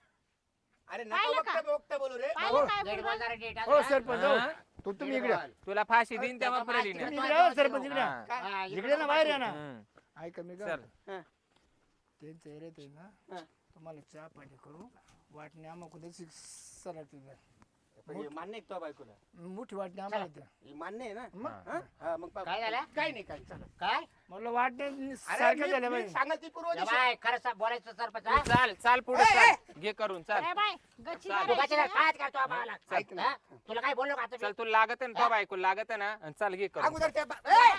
Speaker 3: अरे नका
Speaker 2: पाहिलं का?
Speaker 3: वक्ता बोलू रे
Speaker 2: पाहिलं काय
Speaker 1: नीट
Speaker 2: बोललं?
Speaker 1: बोल जरा नीट,
Speaker 6: हो
Speaker 1: हा?
Speaker 6: सरपंच
Speaker 5: हा?
Speaker 6: हो. तुम्ही इकडे या.
Speaker 5: तुला फाशी देईन तेव्हा
Speaker 1: त्याचा
Speaker 5: पुरेली
Speaker 1: माहिती
Speaker 5: नाही
Speaker 6: तुम्ही इकडे या, सरपंच इकडे या.
Speaker 5: हा.
Speaker 1: हा,
Speaker 6: इकडे ना बाहेर या ना
Speaker 5: हम्म.
Speaker 6: ऐका मी
Speaker 5: चल
Speaker 6: काय त्यांचं एरियात आहे ना तुम्हाला चहा पाणी करू वाटणी आम्हाला कुठे सलाड
Speaker 3: मान्य आहे तो बायकोला
Speaker 6: मोठी वाटणी आम्हाला द्या
Speaker 3: हे मान्य आहे ना
Speaker 6: मग
Speaker 3: हा? हा, मग
Speaker 1: काय झालं?
Speaker 3: काय नाही काय चला
Speaker 1: काय
Speaker 6: म्हटलं वाटण्या
Speaker 3: अरे
Speaker 6: सारख्या झाल्या
Speaker 3: मी
Speaker 6: पाहिजे
Speaker 3: सांगाल ती पूर्व
Speaker 1: या
Speaker 3: दिशा.
Speaker 1: बाय खरं बोलायचं सरपंच
Speaker 5: तू
Speaker 1: हा?
Speaker 5: चाल पुढे चाल घे करून चाल
Speaker 2: अरे बाय गच्ची
Speaker 5: चाल.
Speaker 1: तू
Speaker 2: धरायची
Speaker 1: कशाला
Speaker 2: ना.
Speaker 1: काय करतो आम्हाला
Speaker 3: ऐक ना.
Speaker 1: हा? तुला काय बोललो का आता मी?
Speaker 5: चल तुला लागत ना तो बायको लागत ना आणि चाल घे करून
Speaker 3: अगोदर त्या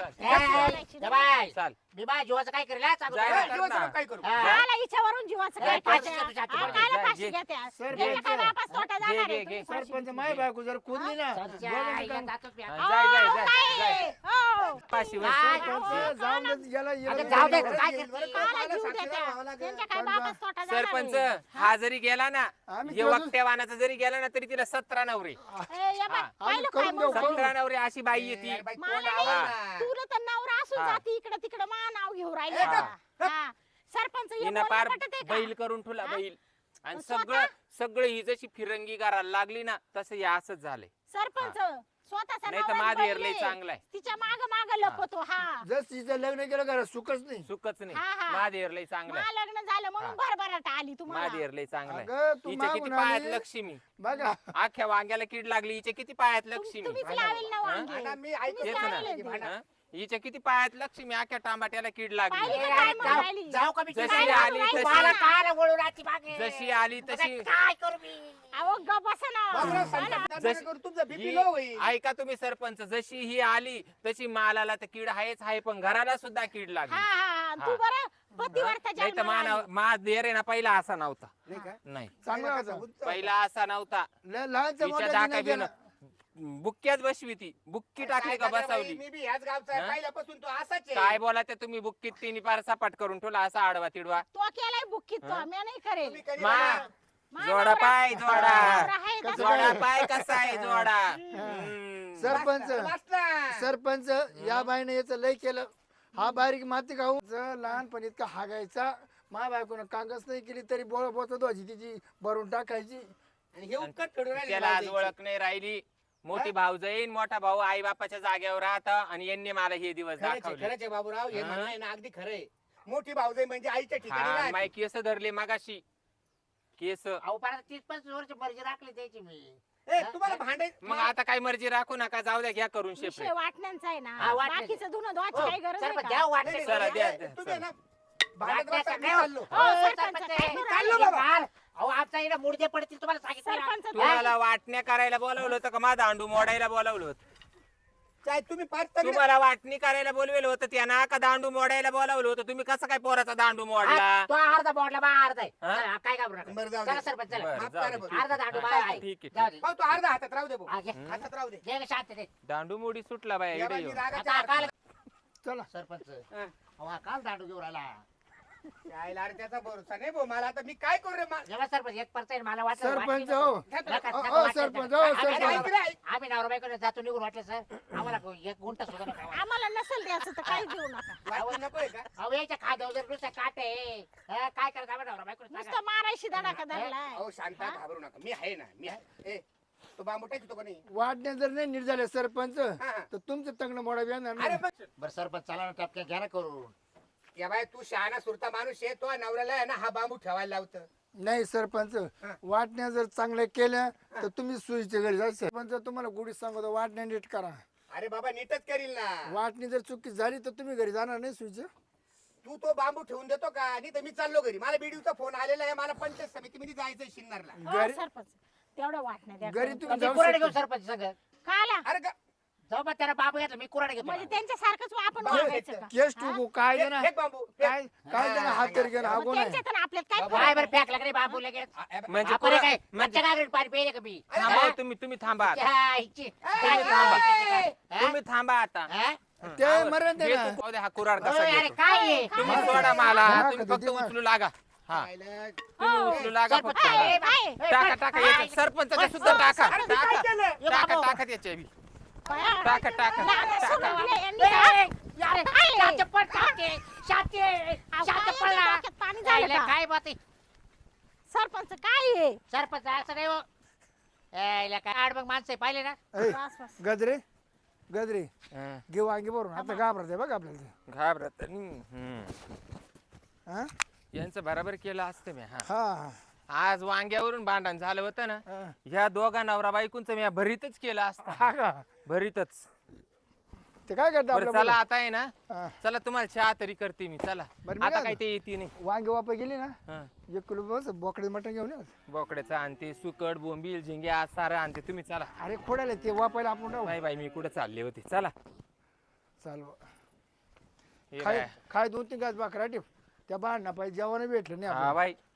Speaker 1: ए, या बाय
Speaker 5: चाल
Speaker 1: मी बाय जीवाचं काय करेल हा? चालू
Speaker 5: जाय
Speaker 1: करा.
Speaker 5: ना.
Speaker 3: दिवसाला काय करू
Speaker 1: हा.
Speaker 2: काला हिच्यावरून जीवाचं काय
Speaker 1: फाशी
Speaker 2: करत्या?
Speaker 1: घेतो जाती
Speaker 2: हा,
Speaker 1: बरं.
Speaker 2: काला
Speaker 5: जा,
Speaker 2: फाशी
Speaker 5: घे.
Speaker 2: घेत्या?
Speaker 6: सरपंच.
Speaker 2: त्याला काय वापस तोटा
Speaker 5: घे,
Speaker 2: जाणार
Speaker 5: घे,
Speaker 2: आहे?
Speaker 5: घे.
Speaker 2: तुम्ही फाशी
Speaker 6: सरपंच माय बायको जर कुदली ना
Speaker 1: सरच्या
Speaker 6: बोलायचं
Speaker 1: आईला
Speaker 6: काम.
Speaker 1: जातोच मी आता.
Speaker 5: हा, जाय जाय
Speaker 2: अहो,
Speaker 5: जाय
Speaker 2: काय?
Speaker 5: जाय
Speaker 2: हो.
Speaker 5: फाशी वर.
Speaker 1: काय?
Speaker 6: सरपंच जाऊन दे, याला
Speaker 1: आता
Speaker 6: याला-
Speaker 1: जाऊ दे,
Speaker 6: याला-
Speaker 1: काय
Speaker 6: याला-
Speaker 1: करते?
Speaker 2: काला जीव
Speaker 3: साक्षीला
Speaker 2: देत्या?
Speaker 3: व्हावं लागेल.
Speaker 2: त्यांच्या काय
Speaker 6: पण
Speaker 2: बापास तोटा जाणार
Speaker 5: सरपंच
Speaker 2: आहे?
Speaker 5: हा जरी गेला ना
Speaker 6: आम्ही
Speaker 5: ये
Speaker 6: तुला-
Speaker 5: वक्तेवानाचा जरी गेला ना तरी तिला 17 नवरे
Speaker 2: ए, या बाय,
Speaker 5: हा.
Speaker 2: पाहिलं
Speaker 6: करून
Speaker 2: काय
Speaker 6: देऊ,
Speaker 2: मग?
Speaker 6: करून
Speaker 5: 17 नवरे अशी बाई येते
Speaker 3: अरे बाई,
Speaker 2: मला
Speaker 3: तोंड
Speaker 2: नाही.
Speaker 3: आवर ना.
Speaker 2: तुला तर नवरा असून
Speaker 5: हा.
Speaker 2: जाती इकडे तिकडे मा नाव घेऊ राहिले
Speaker 5: हा.
Speaker 2: हा. सरपंच हे
Speaker 5: हिनं
Speaker 2: बोलणं
Speaker 5: पार
Speaker 2: पटत आहे का?
Speaker 5: बैल करून ठेवला
Speaker 2: हा?
Speaker 5: बैल आणि
Speaker 2: स्वतः?
Speaker 5: सगळं ही जशी फिरंगी करायला लागली ना तसं हे असंच झालंय
Speaker 2: सरपंच स्वतःचा
Speaker 5: नाही तर
Speaker 2: नवराच
Speaker 5: माझं
Speaker 2: बैल
Speaker 5: एरलंय
Speaker 2: आहे.
Speaker 5: चांगलं आहे.
Speaker 2: तिच्या माग माग लपतो हा
Speaker 6: जर तिचं लग्न केलं का सुखच नाही
Speaker 5: सुखच नाही
Speaker 2: हा, हा.
Speaker 5: माझं एरलंय चांगलं आहे.
Speaker 2: मा लग्न झालं म्हणून भरभराट आली तुम्हाला
Speaker 5: माझं एरलंय चांगलं आहे.
Speaker 6: अगं तू
Speaker 5: हिच्या किती
Speaker 6: मागून
Speaker 5: पायात
Speaker 6: आली.
Speaker 5: लक्ष्मी
Speaker 6: बघा
Speaker 5: अख्ख्या वांग्याला कीड लागली हिच्या किती पायात लक्ष्मी
Speaker 2: तुम्हीच लावेल ना वांगे.
Speaker 3: भांडा मी ऐकतो
Speaker 5: तेच
Speaker 2: तुम्हीच
Speaker 5: ना
Speaker 2: लावेल ते.
Speaker 5: हा? हिच्या किती पायात लक्ष्मी अख्ख्या टांबाट्याला कीड लागली
Speaker 2: पाहिली
Speaker 1: ए,
Speaker 2: का काय
Speaker 1: अरे,
Speaker 2: म्हणून राहिली?
Speaker 1: जाऊ जाऊ का मी
Speaker 5: जशी
Speaker 1: काय
Speaker 5: आली
Speaker 1: करू?
Speaker 5: तशी-
Speaker 1: मला काय वळू राहती मागे?
Speaker 5: जशी आली तशी
Speaker 1: काय करू मी
Speaker 2: अहो ग बसा ना
Speaker 3: बाबूराव, संकट नका करू, तुमचा बीपी लो होईल
Speaker 5: ऐका तुम्ही सरपंच जशी ही आली तशी मालाला तर कीड आहेच आहे पण घराला सुद्धा कीड
Speaker 2: हा
Speaker 5: लागली
Speaker 2: हा तू बरं पतिवर्ता
Speaker 5: नाही तर
Speaker 2: जन्माला आली.
Speaker 5: मा देर आहे ना पहिला असा नव्हता
Speaker 3: नाही का?
Speaker 5: नाही
Speaker 6: चांगला होता
Speaker 5: पहिला असा नव्हता
Speaker 6: लहानचं
Speaker 5: तिच्या
Speaker 6: मोठं
Speaker 5: दाका
Speaker 6: नाही
Speaker 5: बिन
Speaker 6: केलं.
Speaker 5: बुक्क्याच बसवी ती बुक्की टाकली का
Speaker 3: काय
Speaker 5: बसवली
Speaker 3: मी बी ह्याच गावचा आहे
Speaker 5: हा?
Speaker 3: पहिल्यापासून तो असाच आहे
Speaker 5: काय बोला ते तुम्ही बुक्कीत तिने पार सपाट करून ठेवला असा आडवा तिडवा
Speaker 2: तो केलाय बुक्कीत तो मी नाही करेल
Speaker 3: तुम्ही कधी
Speaker 5: मा
Speaker 3: बघा.
Speaker 2: मा
Speaker 5: जोडा
Speaker 2: नवरा-
Speaker 5: पाय जोडा
Speaker 2: नवरा आहे का
Speaker 6: कसं
Speaker 2: तो?
Speaker 5: जोडा पाय कसा आहे जोडा हम्म.
Speaker 6: सरपंच
Speaker 3: वाचला.
Speaker 6: सरपंच या बाईने याचं लय केलं हा बारीक माती खाऊ लहानपणी इतका हागायचा मा बायकोनं कांगच नाही केली तरी बोळ बोचत व्हायची तिची भरून टाकायची
Speaker 3: आणि हे उपकार फेडून राहिले
Speaker 5: त्याला आज
Speaker 3: बाजूचे.
Speaker 5: ओळख नाही राहिली मोठी भाऊ जाईन मोठा भाऊ आई बापाच्या जागेवर राहता आणि यांनी मला हे दिवस
Speaker 3: खरंच आहे,
Speaker 5: दाखवले
Speaker 3: खरंच आहे बाबूराव हे
Speaker 5: हा?
Speaker 3: म्हणणं आहे ना अगदी खरं आहे मोठी भाऊजाई म्हणजे आईच्या ठिकाणी
Speaker 5: हा
Speaker 3: राहते.
Speaker 5: माय केस धरले मागाशी केस
Speaker 1: अहो परत 30-35 वर्ष मर्जी राखली त्याची मी
Speaker 3: ए, तुम्हाला भांडे
Speaker 5: मग आता काय मर्जी राखू नका जाऊ द्या घ्या करून
Speaker 2: विषय
Speaker 5: शेपरे
Speaker 2: वाटण्यांचा आहे ना
Speaker 1: हा, वाटण्याचा.
Speaker 2: बाकीचं धुणं धुवायची
Speaker 1: हो,
Speaker 2: काही गरज आहे
Speaker 1: सरपंच
Speaker 2: का?
Speaker 1: द्या वाटणे.
Speaker 3: नाही,
Speaker 5: चला,
Speaker 3: नाही,
Speaker 5: द्या,
Speaker 3: नाही,
Speaker 5: द्या,
Speaker 3: तुम्ही
Speaker 5: चला.
Speaker 3: ना भांडत
Speaker 1: वाटण्याचा
Speaker 3: बसा, मी
Speaker 1: काय हो?
Speaker 3: चाललो.
Speaker 2: हो,
Speaker 1: हो,
Speaker 2: सरपंच,
Speaker 1: सरपंच,
Speaker 2: काय
Speaker 1: हे
Speaker 2: करू
Speaker 3: चाललो
Speaker 2: राहिले?
Speaker 3: बाबा.
Speaker 1: अहो आमचा इकडे मुडदे पडतील तुम्हाला सांगितलं ना.
Speaker 2: सरपंच
Speaker 5: तुम्हाला वाटण्या करायला बोलावलं होतं का माझा अंडू मोडायला बोलावलं होतं
Speaker 3: चाय तुम्ही पाच तगडे
Speaker 5: तुम्हाला वाटणी करायला बोलवेलं होतं त्यांना का दांडू मोडायला बोलावलं होतं तुम्ही कसं काय पोराचा दांडू मोडला
Speaker 1: तो अर्धा बोटला बा अर्धा आहे
Speaker 5: हा?
Speaker 1: चला, काय घाबरू नका.
Speaker 3: बरं, जाऊ
Speaker 1: चला
Speaker 3: दे.
Speaker 1: सरपंच चला
Speaker 5: बरं,
Speaker 3: माफ
Speaker 5: जाऊ
Speaker 3: करा
Speaker 5: दे.
Speaker 3: भाऊ.
Speaker 1: अर्धा दांडू बा आहे.
Speaker 5: ठीक आहे,
Speaker 1: जाऊ दे.
Speaker 3: भाऊ तो अर्धा हातात राहू दे भाऊ.
Speaker 1: हा, घे.
Speaker 3: हातात राहू दे
Speaker 1: दे ग शांत दे.
Speaker 5: दांडू मोडी सुटला बाय
Speaker 3: या
Speaker 5: इकडे
Speaker 3: बाई,
Speaker 5: येऊन.
Speaker 3: रागाच्या
Speaker 1: आता काल
Speaker 6: चला
Speaker 1: सरपंच
Speaker 3: हा.
Speaker 1: अहो, काल दांडू घेऊन आला
Speaker 3: यायला रे त्याचा भरोसा नाही भाऊ मला आता मी काय करू रे
Speaker 1: जेव्हा सरपंच 1% मला वाटलं
Speaker 6: सरपंच
Speaker 1: वाटली
Speaker 6: हो
Speaker 1: नको. नका, नका
Speaker 6: अहो,
Speaker 1: वाटलं
Speaker 6: सरपंच,
Speaker 1: नका.
Speaker 6: अहो,
Speaker 1: आम्ही
Speaker 6: सरपंच.
Speaker 1: नवरा- आम्ही नवरा बायकोने जातो निघून वाटलं सर आम्हाला एक गुंठा सुद्धा नका वाटलं.
Speaker 2: आम्हाला नसेल द्यायचं तर काही देऊ नका
Speaker 3: वाटलं नकोय का
Speaker 1: अहो याच्या खाद्यावर जर नुसतं काटे हा, काय करायचं आम्ही नवरा बायकोने सांगा.
Speaker 2: नुसतं मारायशी धडाका धरलाय
Speaker 3: अहो शांता घाबरू नका मी आहे ना मी आहे ए तो बांबू टाकतो का नाही
Speaker 6: वाटण्या जर नाही नीट झाले सरपंच
Speaker 3: हा.
Speaker 6: तर तुमचं तंगण मोडा येणार
Speaker 3: अरे
Speaker 6: नाही.
Speaker 3: पण
Speaker 1: बरं सरपंच चला ना टपक्या घ्या ना करून
Speaker 3: या बाय तू शहाणा सुरता माणूस आहे तो नवऱ्याला आहे ना हा बांबू ठेवायला लावतं
Speaker 6: नाही सरपंच वाटण्या जर चांगल्या केल्या तर तुम्ही सुईच्या घरी जा सरपंच तुम्हाला गुढी सांगतो वाटण्या नीट करा
Speaker 3: अरे बाबा नीटच करील ना
Speaker 6: वाटणी जर चुकी झाली तर तुम्ही घरी जाणार नाही सुईच्या
Speaker 3: तू तो बांबू ठेवून देतो का आणि तर मी चाललो घरी मला बीडीचा फोन आलेला आहे मला पंचायत समितीमध्ये जायचंय शिन्नरला
Speaker 2: हो,
Speaker 6: घरी
Speaker 2: सरपंच तेवढं वाटण्या द्या
Speaker 6: घरी
Speaker 2: करून.
Speaker 6: तुम्ही
Speaker 1: मी
Speaker 6: जाऊ
Speaker 1: कुराडे घेऊ
Speaker 6: शकता.
Speaker 1: सरपंच सगळं
Speaker 2: काला
Speaker 3: अरे का
Speaker 1: जाऊ मग त्याला बाबू घेतला मी कुराडे घेतो
Speaker 2: म्हणजे
Speaker 1: मला.
Speaker 2: त्यांच्यासारखंच आपण
Speaker 3: बाबा,
Speaker 2: वागायचं का
Speaker 6: केस टुकू काय दे ना
Speaker 3: फेक बांबू फेक.
Speaker 6: काय काय दे ना हात तरी घ्या ना
Speaker 2: मग
Speaker 6: हागो नाही
Speaker 2: त्यांच्यात आणि आपल्यात काय
Speaker 1: काय
Speaker 2: फरक
Speaker 1: बरं
Speaker 2: आहे?
Speaker 1: फेकला का रे बाबू लगेच
Speaker 5: म्हणजे
Speaker 1: आपण काय
Speaker 5: म्हणजे
Speaker 1: मच्छा कागद पाणी पेले का मी
Speaker 5: थांबा हो, तुम्ही थांबा आता.
Speaker 1: हा, हिची.
Speaker 5: तुम्ही थांबा
Speaker 1: हा?
Speaker 5: तुम्ही थांबा आता
Speaker 1: हा?
Speaker 6: ते
Speaker 5: आवर.
Speaker 6: मरण दे
Speaker 5: घे
Speaker 6: ना.
Speaker 5: तू पाहू दे हा कुराड
Speaker 1: अरे
Speaker 5: कसा
Speaker 1: अरे
Speaker 5: घेतो.
Speaker 1: काय आहे?
Speaker 5: तुम्ही सोडा मला
Speaker 6: हा,
Speaker 5: तुम्ही
Speaker 6: कधी
Speaker 5: फक्त
Speaker 6: दिमाग.
Speaker 5: उचलू लागा हा
Speaker 3: आयला.
Speaker 5: तुम्ही उचलू लागा
Speaker 1: सरपंच,
Speaker 5: फक्त
Speaker 1: काय?
Speaker 2: काय?
Speaker 5: टाका टाका याच्यात सरपंचाच्या सुद्धा टाका
Speaker 3: अरे मी काय केलं?
Speaker 5: टाका टाका त्याच्या बी.
Speaker 2: काय?
Speaker 5: टाका टाका
Speaker 2: नाका
Speaker 5: टाका
Speaker 2: सोडवलं यांनी
Speaker 1: ए,
Speaker 2: का?
Speaker 1: ए, अरे,
Speaker 2: काय?
Speaker 1: शांत पड, शांत, शांत,
Speaker 2: अहो,
Speaker 1: शांत
Speaker 2: काय
Speaker 1: पड ना.
Speaker 2: यांच्या डोक्यात पाणी झालं
Speaker 1: यायला
Speaker 2: का?
Speaker 1: काय बात आहे?
Speaker 2: सरपंच काय आहे
Speaker 1: सरपंच असं नाही हो. यायला काय आड मग माणसं आहे, पाहिले ना
Speaker 6: ऐ,
Speaker 2: बस, बस.
Speaker 6: गजरे गजरे
Speaker 5: हा,
Speaker 6: घे वांगी भरून आता घाबरते बघ आपल्याला ते.
Speaker 5: घाबरत नाही.
Speaker 6: हा
Speaker 5: यांचं बरोबर केलं असतं मी हा
Speaker 6: हा
Speaker 5: आज वांग्यावरून भांडण झालं होतं ना
Speaker 6: हा.
Speaker 5: ह्या दोघा नवरा बायकोंचं मी भरीतच केलं असतं
Speaker 6: हा का
Speaker 5: भरीतच
Speaker 6: ते काय करतं
Speaker 5: बरं
Speaker 6: आपल्या
Speaker 5: चला आता आहे ना
Speaker 6: हा.
Speaker 5: चला तुम्हाला चहा तरी करते मी चला
Speaker 6: बरं, मी
Speaker 5: आता
Speaker 6: काय
Speaker 5: काय ते येते नाही
Speaker 6: वांगी वापा गेली ना
Speaker 5: हा.
Speaker 6: 1 किलो बस बोकडे मटण घेऊन ये.
Speaker 5: बोकड्याचं आणते सुकट बोंबील झिंग्या सारं आणते तुम्ही चला
Speaker 6: अरे खोडाले ते वापायला आपण राहू
Speaker 5: नाही बाई मी कुठं चालले होते चला
Speaker 6: चाल
Speaker 5: हे
Speaker 6: खाय
Speaker 5: बाय.
Speaker 6: खाय 2-3 गाज बाकरा ठेव त्या बाण पाहिजे जेवण भेटलं नाही
Speaker 5: हा
Speaker 6: आपल्याला.
Speaker 5: बाई